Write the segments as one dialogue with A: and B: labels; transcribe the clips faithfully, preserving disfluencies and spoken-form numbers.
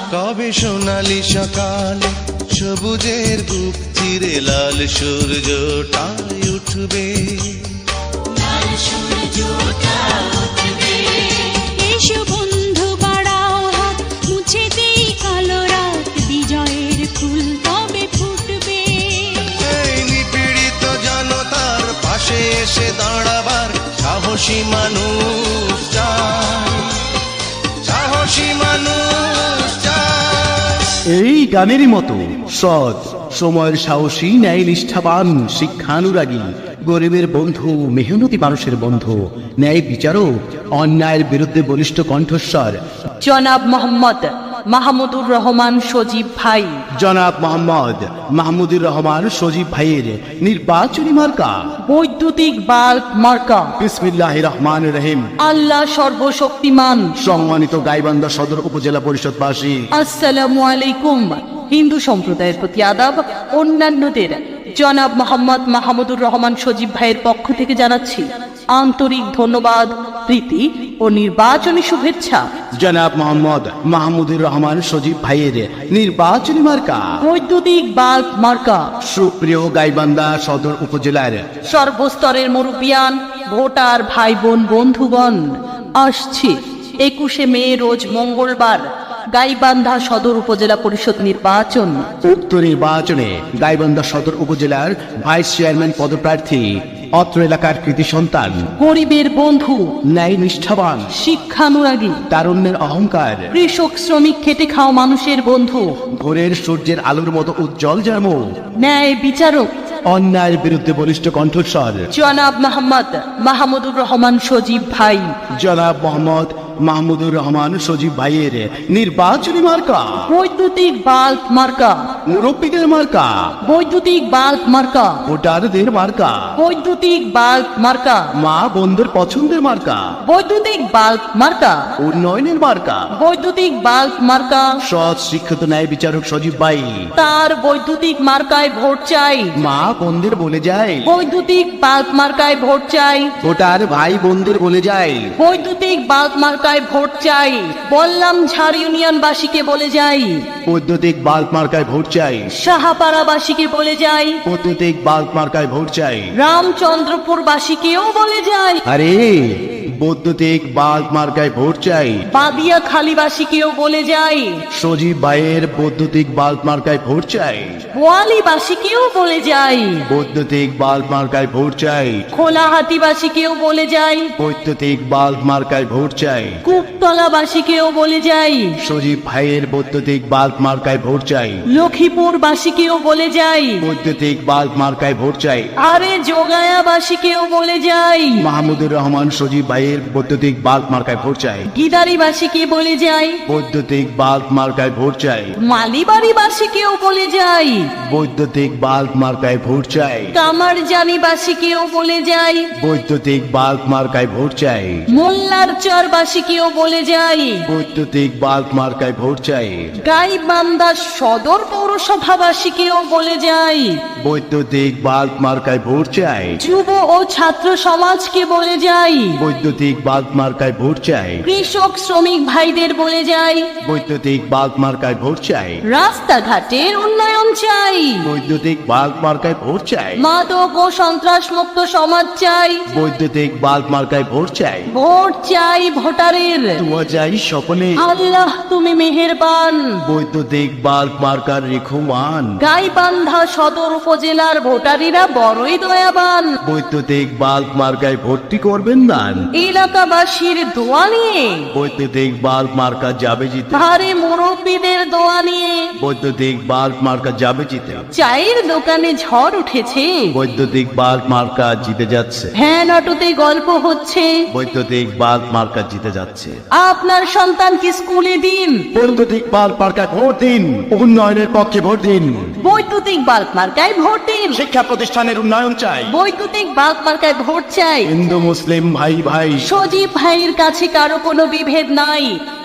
A: কবে সোনালি সকালে সবুজের বুক চিরে লাল সূর্যটাই উঠবে,
B: লাল সূর্যটা উঠবে।
C: এসো বন্ধু বাড়াও হাত, মুছে দেই কালো রাত, বিজয়ের ফুল তবে ফুটবে।
A: এই নিপীড়িত জনতার পাশে এসে দাঁড়াবার সাহসী মানুষ চাই, সাহসী মানুষ চাই।
D: এই গানেরই মতো সৎ, সময়ের সাহসী, ন্যায় নিষ্ঠাবান, শিক্ষানুরাগী, গরিবের বন্ধু, মেহনতি মানুষের বন্ধু, ন্যায় বিচারক, অন্যায়ের বিরুদ্ধে বলিষ্ঠ কণ্ঠস্বর
E: জনাব মোহাম্মদ মাহমুদুর রহমান সজীব ভাই।
D: জনাব মোহাম্মদ মাহমুদুর রহমান সজীব ভাইয়ের নির্বাচনী মার্কা
E: বৈদ্যুতিক বাল্ব মার্কা।
D: বিসমিল্লাহির রহমানির রহিম।
E: আল্লাহ সর্বশক্তিমান।
D: সম্মানিত গাইবান্ধা সদর উপজেলা পরিষদবাসী,
E: আসসালামু আলাইকুম। হিন্দু সম্প্রদায়ের প্রতি আদাব, অন্যান্যদের জনাব মোহাম্মদ মাহমুদুর রহমান সজীব ভাইয়ের পক্ষ থেকে জানাচ্ছি আন্তরিক ধন্যবাদ, প্রীতি ও নির্বাচনী শুভেচ্ছা।
D: জনাব মোহাম্মদ মাহমুদুর রহমান সজীব ভাইয়ের নির্বাচনী মার্কা
E: বৈদ্যুতিক বাল্ব মার্কা।
D: সুপ্রিয় গাইবান্ধা সদর উপজেলার
E: সর্বস্তরের মুরব্বিয়ান, ভোটার ভাই বোন, বন্ধুগণ, আসছে একুশে মে রোজ মঙ্গলবার গাইবান্ধা সদর উপজেলা পরিষদ নির্বাচন।
D: উক্ত নির্বাচনে গাইবান্ধা সদর উপজেলার ভাইস চেয়ারম্যান পদপ্রার্থী অত্র এলাকার কৃতি সন্তান,
E: গরিবের বন্ধু,
D: ন্যায় নিষ্ঠাবান,
E: শিক্ষানুরাগী,
D: তারুণ্যের অহংকার,
E: কৃষক শ্রমিক খেটে খাওয়া মানুষের বন্ধু,
D: ভোরের সূর্যের আলোর মতো উজ্জ্বল যেন,
E: ন্যায় বিচারক,
D: অন্যায়ের বিরুদ্ধে বলিষ্ঠ কণ্ঠস্বর
E: জনাব মোহাম্মদ মাহমুদুর রহমান সজীব ভাই।
D: জনাব মোহাম্মদ মাহমুদুর রহমান সজীব ভাইয়ের নির্বাচনী মার্কা
E: বৈদ্যুতিক বাল্ব মার্কা।
D: মুরব্বীদের মার্কা,
E: বৈদ্যুতিক বাল্ব মার্কা।
D: ভোটারদের মার্কা,
E: বৈদ্যুতিক বাল্ব মার্কা।
D: মা বোনদের পছন্দের মার্কা,
E: বৈদ্যুতিক বাল্ব মার্কা।
D: উন্নয়নের মার্কা,
E: বৈদ্যুতিক বাল্ব মার্কা।
D: সৎ শিক্ষিত ন্যায় বিচারক সজীব ভাই
E: তার বৈদ্যুতিক মার্কায় ভোট চাই।
D: মা বোনদের বলে যায়,
E: বৈদ্যুতিক বাল্ব মার্কায় ভোট চাই।
D: ভোটার ভাই বোনদের বলে যায়,
E: বৈদ্যুতিক বাল্ব মার্কায় ভোট চাই। বললাম ঝাড় ইউনিয়নবাসীকে বলে যাই,
D: বৈদ্যুতিক বাল্ব মার্কায় ভোট চাই।
E: সাহাপাড়াবাসীকে বলে যাই,
D: বৈদ্যুতিক বাল্ব মার্কায় ভোট চাই।
E: রামচন্দ্রপুরবাসীকেও বলে যাই,
D: আরে বৈদ্যুতিক বাল্ব মার্কায় ভোট চাই।
E: বাদিয়া খালিবাসীকেও বলে যাই,
D: সজীব ভাইয়ের বৈদ্যুতিক বাল্ব মার্কায় ভোট চাই।
E: বোয়ালিবাসীকেও বলে যাই,
D: বৈদ্যুতিক বাল্ব মার্কায় ভোট চাই।
E: খোলাহাটিবাসীকেও বলে যাই,
D: বৈদ্যুতিক বাল্ব মার্কায় ভোট চাই।
E: কুপতলাবাসীকেও বলে যাই,
D: সজীব ভাইয়ের বৈদ্যুতিক বাল্ব মার্কায় ভোট চাই।
E: লক্ষ্মীপুরবাসীকেও বলে যাই,
D: বৈদ্যুতিক বাল্ব মার্কায় ভোট চাই।
E: আরে যোগায়াবাসীকেও বলে যাই,
D: মাহমুদুর রহমান সজীব ভাইয়ের বৈদ্যুতিক বাল্ব মার্কায় ভোট চাই।
E: গিদারিবাসীকে বলে যাই,
D: বৈদ্যুতিক বাল্ব মার্কায় ভোট চাই।
E: মালিবাড়িবাসীকেও বলে যাই,
D: বৈদ্যুতিক বাল্ব মার্কায় ভোট চাই।
E: কামারজানিবাসীকেও বলে যাই,
D: বৈদ্যুতিক বাল্ব মার্কায় ভোট চাই।
E: মোল্লার চরবাসীকেও বলে যাই,
D: বৈদ্যুতিক বাল্ব মার্কায় ভোট চাই।
E: গাইবান্ধা সদর পৌরসভাবাসীকেও বলে যাই,
D: বৈদ্যুতিক বাল্ব মার্কায় ভোট চাই।
E: যুব ও ছাত্র সমাজকে বলে যাই,
D: বৈদ্যুতিক বাল্ব মার্কায় ভোট চাই।
E: কৃষক শ্রমিক ভাইদের বলে যাই,
D: বৈদ্যুতিক বাল্ব মার্কায় ভোট চাই।
E: রাস্তাঘাটের উন্নয়ন চাই,
D: বৈদ্যুতিক বাল্ব মার্কায় ভোট চাই।
E: মাদক ও সন্ত্রাস মুক্ত সমাজ চাই,
D: বৈদ্যুতিক বাল্ব মার্কায় ভোট চাই।
E: ভোট চাই ভোটারের,
D: দোয়া চাই সকলে,
E: আল্লাহ তুমি মেহেরবান।
D: বৈদ্যুতিক বাল্ব মার্কার রেখমান।
E: গাইবান্ধা সদর উপজেলার ভোটারিরা বড়ই দয়াবান।
D: বৈদ্যুতিক বাল্ব মার্কায় ভর্তি করবেন দান।
E: এলাকাবাসীর দোয়া নিয়ে
D: বৈদ্যুতিক বাল্ব মার্কা যাবে জিতে।
E: ভারে মুরব্বীদের দোয়া নিয়ে
D: বৈদ্যুতিক বাল্ব মার্কা যাবে জিতে।
E: চায়ের দোকানে ঝড় উঠেছে,
D: বৈদ্যুতিক বাল্ব মার্কা জিতে যাচ্ছে।
E: ভ্যান অটোতে গল্প হচ্ছে,
D: বৈদ্যুতিক বাল্ব মার্কা জিতে যাচ্ছে।
E: আপনার সন্তানকে স্কুলে দিন,
D: বৈদ্যুতিক বাল্ব মার্কায় ভোট দিন। উন্নয়নের পক্ষে ভোট দিন।
E: বৈদ্যুতিক বাল্ব মার্কায় ভোট দিন।
D: শিক্ষা প্রতিষ্ঠানের উন্নয়ন চাই।
E: বৈদ্যুতিক বাল্ব মার্কায় ভোট চাই।
D: হিন্দু মুসলিম ভাই ভাই,
E: সজীব ভাইয়ের কাছে কারো কোনো বিভেদ নাই,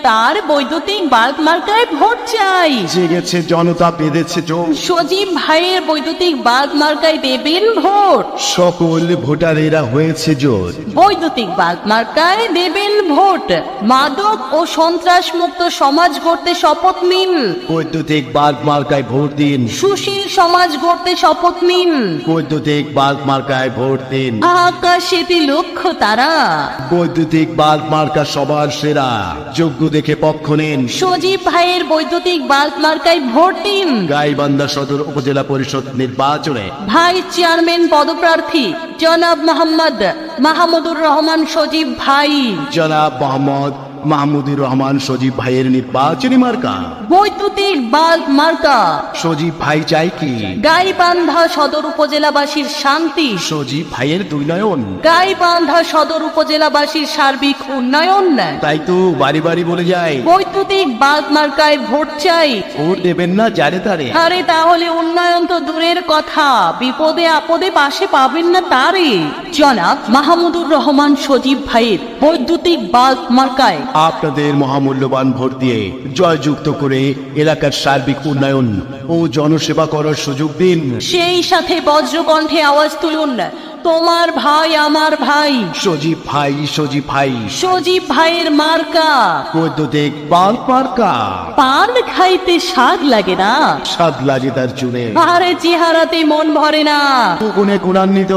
E: তার বৈদ্যুতিক বাল্ব মার্কায় ভোট চাই।
D: জেগেছে জনতা, বেঁধেছে জোর,
E: সজীব ভাইয়ের বৈদ্যুতিক বাল্ব মার্কায় দেবেন ভোট।
D: সকল ভোটারেরা হয়েছে জোর।
E: বৈদ্যুতিক বাল্ব মার্কায় দেবেন ভোট। মাদক ও সন্ত্রাস মুক্ত সমাজ গড়তে শপথ নিন।
D: বৈদ্যুতিক বাল্ব মার্কায় ভোট দিন।
E: সুশীল সমাজ গড়তে শপথ নিন।
D: বৈদ্যুতিক বাল্ব মার্কায় ভোট দিন।
E: আকাশেতে লক্ষ্য তারা।
D: বৈদ্যুতিক বাল্ব মার্কা সবার সেরা, যোগ্য দেখে পক্ষ নিন।
E: সজীব ভাইয়ের বৈদ্যুতিক বাল্ব মার্কায় ভোট দিন।
D: গাইবান্ধা সদর উপজেলা পরিষদ নির্বাচনে
E: ভাইস চেয়ারম্যান পদপ্রার্থী জনাব মোহাম্মদ মাহমুদুর রহমান সজীব ভাই।
D: জনাব মোহাম্মদ মাহমুদুর রহমান সজীব ভাইয়ের নির্বাচনী মার্কা
E: বৈদ্যুতিক বাল্ব মার্কা।
D: সজীব ভাই চাই কি?
E: গাইবান্ধা সদর উপজেলাবাসীর শান্তি।
D: সজীব ভাইয়ের দুই নয়ন।
E: গাইবান্ধা সদর উপজেলাবাসীর সার্বিক উন্নয়ন।
D: তাই তো বাড়ি বাড়ি বলে যায়,
E: বৈদ্যুতিক বাল্ব মার্কায় ভোট চাই।
D: ভোট দেবেন না যারে তারে।
E: আরে তাহলে উন্নয়ন তো দূরের কথা, বিপদে আপদে পাশে পাবেন না তারে। জনাব মাহমুদুর রহমান সজীব ভাইয়ের বৈদ্যুতিক বাল্ব মার্কায়
D: আপনাদের মহামূল্যবান ভোট দিয়ে জয়যুক্ত করে এলাকার সার্বিক উন্নয়ন ও জনসেবা করার সুযোগ দিন।
E: সেই সাথে বজ্রকণ্ঠে আওয়াজ তুলুন, তোমার ভাই আমার ভাই।
D: সজীব ভাই, সজীব ভাই,
E: সজীব ভাইয়ের মার্কা
D: বৈদ্যুতিক বাল্ব মার্কা।
E: পান খাইতে স্বাদ লাগে না,
D: স্বাদ লাগে তার চুনে,
E: আরে চেহারাতে মন ভরে না।
D: গুণে গুণান্বিত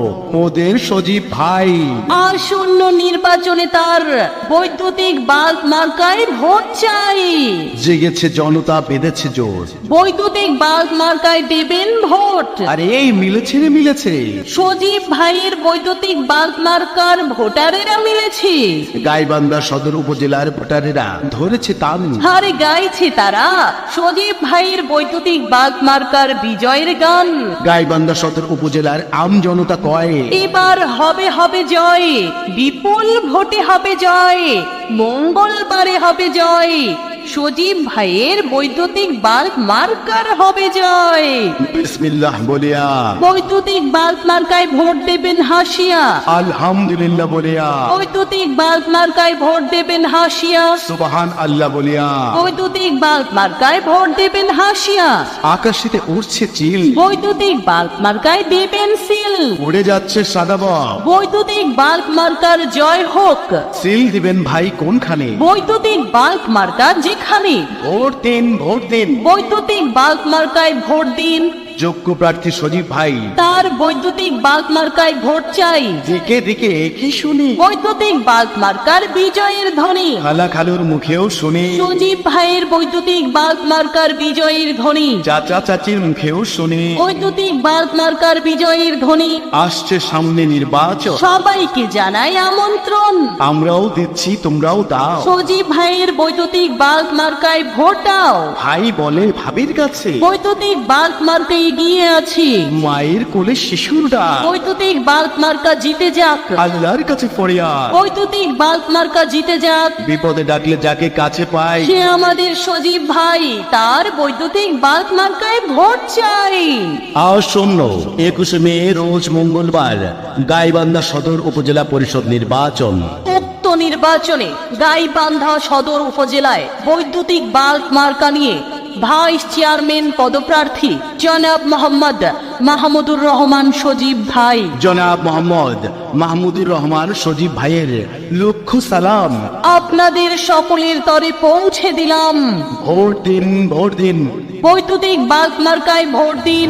D: ওদের সজীব ভাই।
E: আসন্ন নির্বাচনে তার বৈদ্যুতিক বাল্ব মার্কায় ভোট চাই।
D: জেগেছে জনতা, বেঁধেছে জোর।
E: বৈদ্যুতিক বাল্ব মার্কায় দেবেন ভোট।
D: আরে এই মিলেছে রে মিলেছে,
E: সজীব ভাইয়ের বৈদ্যুতিক বাল্ব মার্কার ভোটারেরা মিলেছে।
D: গাইবান্ধা সদর উপজেলার ভোটারেরা ধরেছে তান।
E: আরে গাইছে তারা সজীব ভাইয়ের বৈদ্যুতিক বাল্ব মার্কার বিজয়ের গান।
D: গাইবান্ধা সদর উপজেলার আম জনতা কয়,
E: এবার হবে হবে জয়, বিপুল ভোটে হবে জয়, মঙ্গলবারে হবে জয়, সজীব ভাইয়ের বৈদ্যুতিক বাল্ব মার্কার হবে জয়।
D: বিসমিল্লাহ বলিয়া
E: বৈদ্যুতিক বাল্ব মার্কায় ভোট দেবেন হাসিয়া।
D: আলহামদুলিল্লাহ বলিয়া
E: বৈদ্যুতিক বাল্ব মার্কায় ভোট দেবেন হাসিয়া।
D: সুবহান আল্লাহ বলিয়া
E: বৈদ্যুতিক বাল্ব মার্কায় ভোট দেবেন হাসিয়া।
D: আকাশেতে উঠছে চিল,
E: বৈদ্যুতিক বাল্ব মার্কায় দেবেন সিল।
D: উড়ে যাচ্ছে সাদাবক,
E: বৈদ্যুতিক বাল্ব মার্কার জয় হোক।
D: সিল দিবেন ভাই কোনখানে?
E: বৈদ্যুতিক বাল্ব মার্কা যেখানে।
D: ভোট দিন, ভোট দিন।
E: বৈদ্যুতিক বাল্ব মার্কায় ভোট দিন।
D: যোগ্য প্রার্থী সজীব ভাই,
E: তার বৈদ্যুতিক বাল্ব মার্কায় ভোট চাই।
D: দিকে দিকে কি শুনি,
E: বৈদ্যুতিক বাল্ব মার্কার বিজয়ের ধ্বনি।
D: খালা খালুর মুখেও শুনি,
E: সজীব ভাইয়ের বৈদ্যুতিক বাল্ব মার্কার বিজয়ের ধ্বনি।
D: চাচা চাচির মুখেও শুনি,
E: বৈদ্যুতিক বাল্ব মার্কার বিজয়ের ধ্বনি।
D: আসছে সামনে নির্বাচন,
E: সবাইকে জানাই আমন্ত্রণ।
D: আমরাও দিচ্ছি, তোমরাও দাও।
E: সজীব ভাইয়ের বৈদ্যুতিক বাল্ব মার্কায় ভোট দাও।
D: ভাই বলে ভাবির কাছে,
E: বৈদ্যুতিক বাল্ব মার্কা এগিয়ে আছি।
D: মায়ের কোলে শিশুর ডাক,
E: বৈদ্যুতিক বাল্ব মার্কা জিতে যাক।
D: আল্লাহর কাছে ফরিয়াদ,
E: বৈদ্যুতিক বাল্ব মার্কা জিতে যাক।
D: বিপদে ডাকলে যাকে কাছে পাই,
E: সে আমাদের সজীব ভাই, তার বৈদ্যুতিক বাল্ব মার্কায় ভোট চাই।
D: আসন্ন একুশে মে রোজ মঙ্গলবার গাইবান্ধা সদর উপজেলা পরিষদ নির্বাচন।
E: উক্ত নির্বাচনে গাইবান্ধা সদর উপজেলায় বৈদ্যুতিক বাল্ব মার্কা নিয়ে ভাইস চেয়ারম্যান পদপ্রার্থী জনাব মোহাম্মদ মাহমুদুর রহমান সজীব ভাই।
D: জনাব মোহাম্মদ মাহমুদুর রহমান সজীব ভাইয়ের লক্ষ সালাম
E: আপনাদের সকলের তরে পৌঁছে দিলাম।
D: ভোট দিন, ভোট দিন।
E: বৈদ্যুতিক বাল্ব মার্কায় ভোট দিন।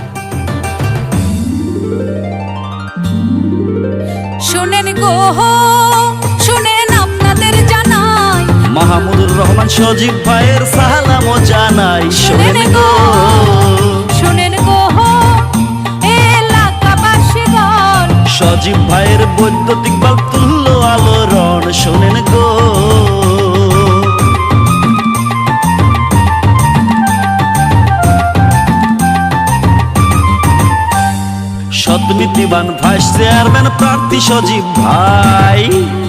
C: শুনেন গো, শুনেন আপনাদের জানাই,
B: মাহমুদুর রহমান সজীব ভাইয়ের সালাম জানাই।
C: শুনেন গো, শুনেন গো এলাকাবাসীগণ,
B: সজীব ভাইয়ের বৈদ্যুতিক বাল্ব তুল্য আলোড়ন। শোনেন গো, সৎ নীতিবান ভাইস চেয়ারম্যান প্রার্থী সজীব ভাই।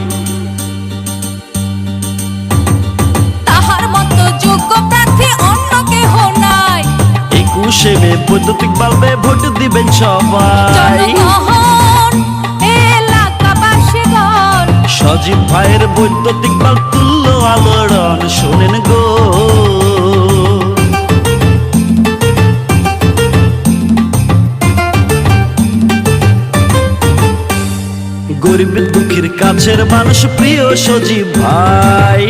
C: তাহার মতো যোগ্য প্রার্থী অন্য কেহ নাই।
B: একুশে মে বৈদ্যুতিক বাল্বে ভোট দিবেন সবাই।
C: জনগণ এলাকাবাসীগণ,
B: সজীব ভাইয়ের বৈদ্যুতিক বাল্ব তুল্য আলোড়ন। শোনেন গো। গরিব দুঃখীর কাছের মানুষ প্রিয় সজীব ভাই,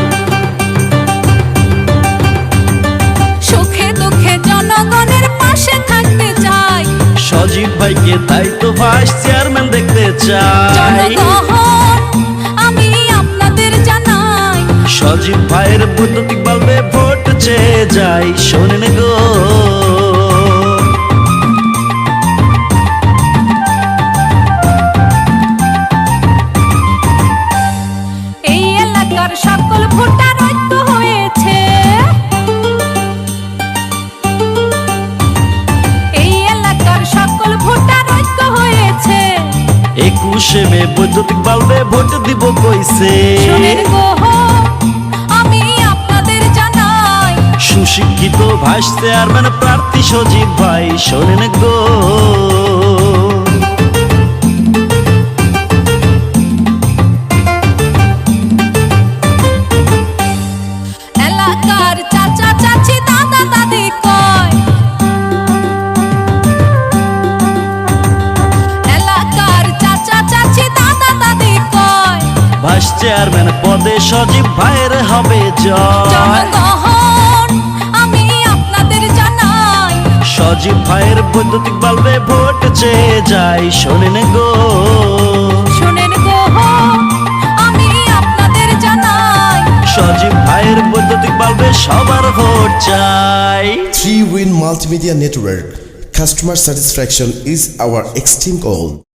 C: সুখে দুঃখে জনগণের পাশে থাকতে চাই,
B: সজীব ভাইকে তাই তো ভাইস চেয়ারম্যান দেখতে চাই।
C: জনগণ আমি আপনাদের জানাই,
B: সজীব ভাইয়ের বৈদ্যুতিক বাল্বে ভোট চেয়ে যাই, শোনেন গো।
C: এই এলাকার সকল ভোটার ঐক্য হয়েছে, এই এলাকার সকল ভোটার ঐক্য হয়েছে,
B: একুশে মে বৈদ্যুতিক বাল্বে ভোট দিব কইছে।
C: শোনেন গো আমি আপনাদের জানাই,
B: সুশিক্ষিত ভাইস চেয়ারম্যান প্রার্থী সজীব ভাই, শোনেন গো।
C: এলাকার চাচা চাচি দাদা দাদি কয়, এলাকার চাচা চাচি দাদা দাদি কয়,
B: ভাইস চেয়ারম্যান পদে সজীব ভাইয়ের হবে জয়।
C: জনগণ আমি আপনাদের জানাই,
B: সজীব ভাইয়ের বৈদ্যুতিক বাল্বে ভোট চেয়ে যাই, শোনেন গো।
C: শোনেন গো আমি আপনাদের জানাই,
B: সজীব ভাইয়ের বৈদ্যুতিক বাল্বে সবার ভোট চাই।
F: Three Win Multimedia Network. Customer satisfaction is our extreme goal.